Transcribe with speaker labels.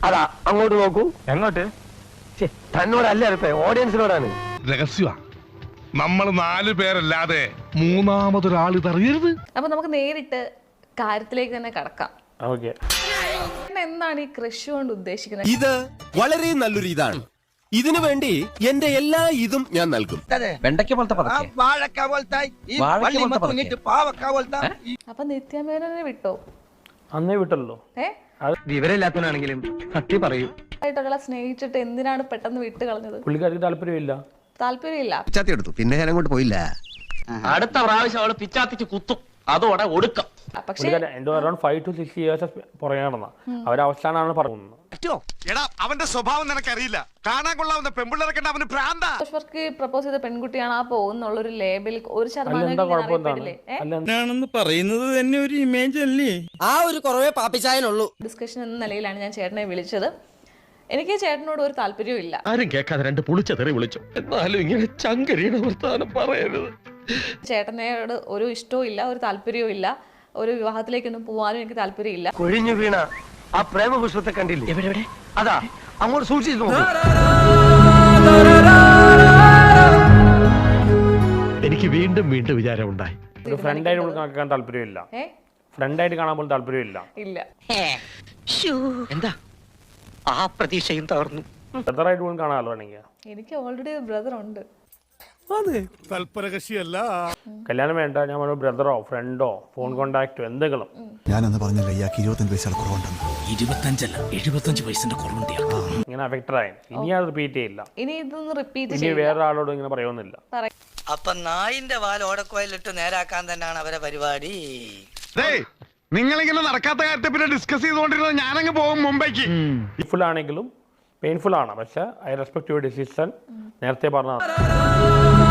Speaker 1: അതാ അങ്ങോട്ട് നോക്കൂ.
Speaker 2: എങ്ങോട്ട്?
Speaker 1: തന്നോടല്ല ഓഡിയൻസിനോടാണ്.
Speaker 3: രഹസ്യ നമ്മൾ 4 പേരല്ലാതെ മൂന്നാമതൊരാൾ ഇതറിയരുത്.
Speaker 4: അപ്പൊ നമുക്ക് നേരിട്ട് കാര്യത്തിലേക്ക് തന്നെ കടക്കാം. എന്താണ് ഈ കൃഷി കൊണ്ട് ഉദ്ദേശിക്കുന്നത്?
Speaker 5: ഇത് വളരെ നല്ലൊരു ഇതാണ്. ഇതിനു വേണ്ടി എന്റെ എല്ലാ ഇതും ഞാൻ നൽകും.
Speaker 6: വെണ്ടയ്ക്ക പോലത്തെ
Speaker 4: അപ്പൊ നിത്യമേനോനെ വിട്ടോ?
Speaker 2: അന്നേ വിട്ടല്ലോ.
Speaker 1: വിവരമില്ലാത്തവനാണെങ്കിലും സത്യം പറയൂ.
Speaker 4: ആയിട്ടൊരാളെ സ്നേഹിച്ചിട്ട് എന്തിനാണ് പെട്ടെന്ന് വിട്ട് കളഞ്ഞത്?
Speaker 2: പുള്ളിക്കാർക്ക് താല്പര്യമില്ല.
Speaker 4: താല്പര്യമില്ല.
Speaker 5: എടുത്തു, പിന്നെ ഞാൻ അങ്ങോട്ട് പോയില്ല.
Speaker 6: അടുത്ത പ്രാവശ്യം അവള് പിച്ചാത്തിച്ച് കുത്തും, അതോടെ ഒടുക്കം.
Speaker 4: പക്ഷേ
Speaker 2: എന്തോ അറൌണ്ട് 5 to 6 years പുറകെ നടന്ന അവരവസാനാണ് പറയുന്നത്.
Speaker 3: അവന്റെ സ്വഭാവം നിനക്കറിയില്ല. കാണാൻ കൊള്ളാവുന്ന പെൺപിള്ളേരൊക്കെ അവന് ഭ്രാന്താ.
Speaker 4: പ്രപ്പോസ് ചെയ്ത പെൺകുട്ടിയാണ് ആ പോകുന്നുള്ളൊരു ലേബിൾ ഒരു
Speaker 7: എന്താണെന്ന് പറയുന്നത് തന്നെ ഒരു ഇമേജ് അല്ലേ?
Speaker 5: ആ ഒരു കുറവേ പാപ്പിച്ചായനുള്ളൂ.
Speaker 4: ഡിസ്കഷൻ എന്ന നിലയിലാണ് ഞാൻ ചേട്ടനെ വിളിച്ചത്. എനിക്ക് ചേട്ടനോട് ഒരു താല്പര്യവും ഇല്ല.
Speaker 1: ആരും കേൾക്കാതെ 2 പുളിച്ച തെറി വിളിച്ചു. എന്നാലും ഇങ്ങനെ ചങ്കരിയുടെ വർത്താനം പറയരുത്.
Speaker 4: ചേട്ടനോട് ഒരു ഇഷ്ടവും ഇല്ല, ഒരു താല്പര്യവും ഇല്ല. ഒരു വിവാഹത്തിലേക്കൊന്നും പോവാനും എനിക്ക് താല്പര്യമില്ല.
Speaker 1: കൊഴിഞ്ഞു വീണ ആ പ്രേമപുഷ്പത്തെ കണ്ടില്ലേ? എവിടെ? അതാ അങ്ങോട്ട് സൂക്ഷിച്ചു നോക്കൂ. എനിക്ക് വീണ്ടും വീണ്ടും വിചാരം ഉണ്ടായി.
Speaker 2: ഒരു ഫ്രണ്ടായിട്ട് കാണാൻ താല്പര്യമില്ല. ഫ്രണ്ടായിട്ട് കാണാൻ പോലും താല്പര്യമില്ല.
Speaker 4: ഇല്ല.
Speaker 6: എന്താ ആ പ്രതീക്ഷയും തകർന്നു.
Speaker 2: ബ്രദറായിട്ട് പോലും കാണാമല്ലോ വേണമെങ്കിൽ.
Speaker 4: എനിക്ക് ഓൾറെഡി ഒരു ബ്രദർ ഉണ്ട്.
Speaker 3: തൽപരകക്ഷിയല്ല.
Speaker 2: കല്യാണം വേണ്ട, ഞാൻ ബ്രദറോ ഫ്രണ്ടോ ഫോൺ കോണ്ടാക്റ്റോ എന്തെങ്കിലും.
Speaker 8: ഞാനെന്ന് പറഞ്ഞല്ലോ ഇയാൾക്ക് 25 പൈസ കുറവുണ്ടെന്ന്.
Speaker 7: 25 അല്ല 75 പൈസന്റെ കുറവുണ്ട്.
Speaker 2: ഇങ്ങനെ അഫക്റ്റഡ് ആയി. ഇനി അത് റിപ്പീറ്റ് ചെയ്യില്ല.
Speaker 4: ഇനി ഇതൊന്നും റിപ്പീറ്റ്
Speaker 2: ഇനി വേറെ ആളോട് ഇങ്ങനെ പറയുന്നില്ല.
Speaker 9: അപ്പൊ നായിന്റെ വാൽ ഓടക്കോയിലിട്ട് നേരാക്കാൻ തന്നെയാണ് അവരെ പരിപാടി.
Speaker 3: നിങ്ങളിങ്ങനെ നടക്കാത്ത കാര്യത്തെ പിന്നെ ഡിസ്കസ് ചെയ്തുകൊണ്ടിരുന്നത് ഞാനങ്ങ് പോകും മുംബൈക്ക്.
Speaker 2: ഫുൾ ആണെങ്കിലും പെയിൻഫുൾ ആണ്. പക്ഷെ ഐ റെസ്പെക്ട് യുവർ ഡിസിഷൻ. നേരത്തെ പറഞ്ഞ